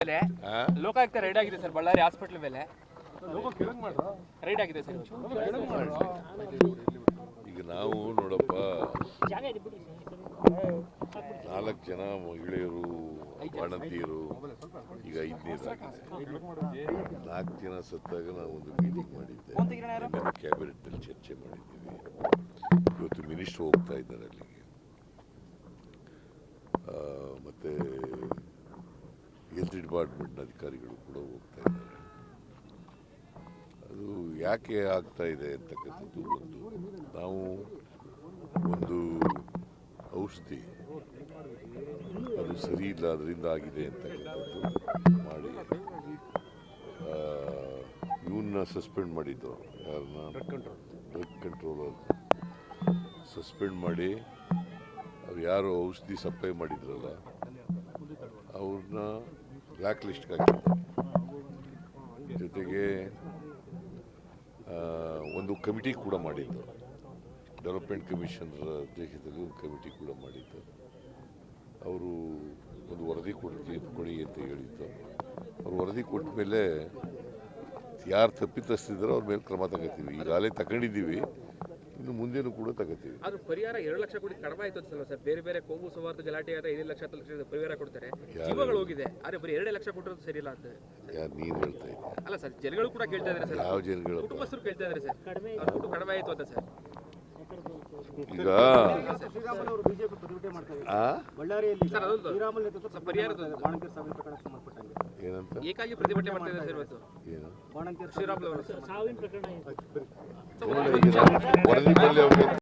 Lokayukta raid ಆಗಿದೆ sir Ballari hospital ಮೇಲೆ raid ಆಗಿದೆ ಸರ್. ಈಗ ನಾವು ನೋಡಪ್ಪ 4 ಜನ ಮಹಿಳೆಯರು ಬಾಣಂತಿಯರು ಈಗ 5ನೇದಾಗಿದೆ. 4 ಜನ ಸತ್ತಾಗ ನಾವು ಒಂದು ಮೀಟಿಂಗ್ ಮಾಡಿದ್ದೆ, ಕ್ಯಾಬಿನೆಟ್ನಲ್ಲಿ ಚರ್ಚೆ ಮಾಡಿದ್ದೀವಿ. ಇವತ್ತು ಮಿನಿಸ್ಟರ್ ಹೋಗ್ತಾ ಇದ್ದಾರೆ ಅಲ್ಲಿಗೆ, ಮತ್ತು ಹೆಲ್ತ್ ಡಿಪಾರ್ಟ್ಮೆಂಟ್ನ ಅಧಿಕಾರಿಗಳು ಕೂಡ ಹೋಗ್ತಾ ಇದ್ದಾರೆ. ಅದು ಯಾಕೆ ಆಗ್ತಾ ಇದೆ ಅಂತಕ್ಕಂಥದ್ದು ನಾವು ಒಂದು ಔಷಧಿ ಅದು ಸರಿ ಇಲ್ಲ, ಅದರಿಂದ ಆಗಿದೆ ಅಂತಕ್ಕಂಥದ್ದು ಮಾಡಿ ಇವನ್ನ ಸಸ್ಪೆಂಡ್ ಮಾಡಿದ್ದು, ಯಾರನ್ನ ಡ್ರಗ್ ಕಂಟ್ರೋಲರ್ ಸಸ್ಪೆಂಡ್ ಮಾಡಿ ಅವ್ರು ಯಾರು ಔಷಧಿ ಸಪ್ಲೈ ಮಾಡಿದ್ರಲ್ಲ ಅವ್ರನ್ನ ಬ್ಲ್ಯಾಕ್ ಲಿಸ್ಟ್ಗೆ ಹಾಕಿದ್ದಾರೆ. ಜೊತೆಗೆ ಒಂದು ಕಮಿಟಿ ಕೂಡ ಮಾಡಿದ್ದು, ಡೆವಲಪ್ಮೆಂಟ್ ಕಮಿಷನರ್ ಅಧ್ಯಕ್ಷತೆಯಲ್ಲಿ ಒಂದು ಕಮಿಟಿ ಕೂಡ ಮಾಡಿದ್ದು. ಅವರು ಒಂದು ವರದಿ ಕೊಡಿ ಅಂತ ಹೇಳಿದ್ದು. ಅವ್ರು ವರದಿ ಕೊಟ್ಟ ಮೇಲೆ ಯಾರು ತಪ್ಪಿತಸ್ಥಿದ್ದಾರೋ ಅವ್ರ ಮೇಲೆ ಕ್ರಮ ತಗೋತೀವಿ. ಈಗಾಗಲೇ ತಗೊಂಡಿದ್ದೀವಿ, ಇನ್ನು ಮುಂದೇನು ಕೂಡ ತಗೋತೀವಿ. ಅದು ಪರಿಹಾರ 2 ಲಕ್ಷ ಕೋಟಿ ಕಡಿಮೆ ಆಯ್ತು ಅನ್ಸಲ್ಲ ಸರ್? ಬೇರೆ ಬೇರೆ ಕೋಮು ಸೌಹಾರ್ದ ಗಲಾಟೆ ಆದ್ರೆ 5 ಲಕ್ಷ 10 ಲಕ್ಷ ಪರಿಹಾರ ಕೊಡ್ತಾರೆ, ಜೀವಗಳು ಹೋಗಿದೆ. ಆದ್ರೆ ಬರೀ 2 ಲಕ್ಷ ಕೊಟ್ಟಿರೋದು ಸರಿ ಇಲ್ಲ ಅಂತ ಯಾರು ನೀನು ಹೇಳ್ತಾ ಇದ್ದೀವಿ? ಅಲ್ಲ ಸರ್, ಜನಗಳು ಕೂಡ ಕೇಳ್ತಾ ಇದ್ದಾರೆ ಸರ್. ಯಾವ ಜನಗಳು? ಕುಟುಂಬಸ್ಥರು ಕೇಳ್ತಾ ಇದ್ದಾರೆ ಸರ್, ದುಡ್ಡು ಕಡಿಮೆ ಆಯ್ತು ಅಂತ ಸರ್. ಈಗ ಏನಂತ ಏಕಾಗಿ ಪ್ರತಿಭಟನೆ ಮಾಡ್ತಾ ಇದ್ದಾರೆ ಸರ್ ಇವತ್ತು. ಏನು ಶ್ರೀರಾಮುಲು ಅವರು ವರದಿ ಮೇಲೆ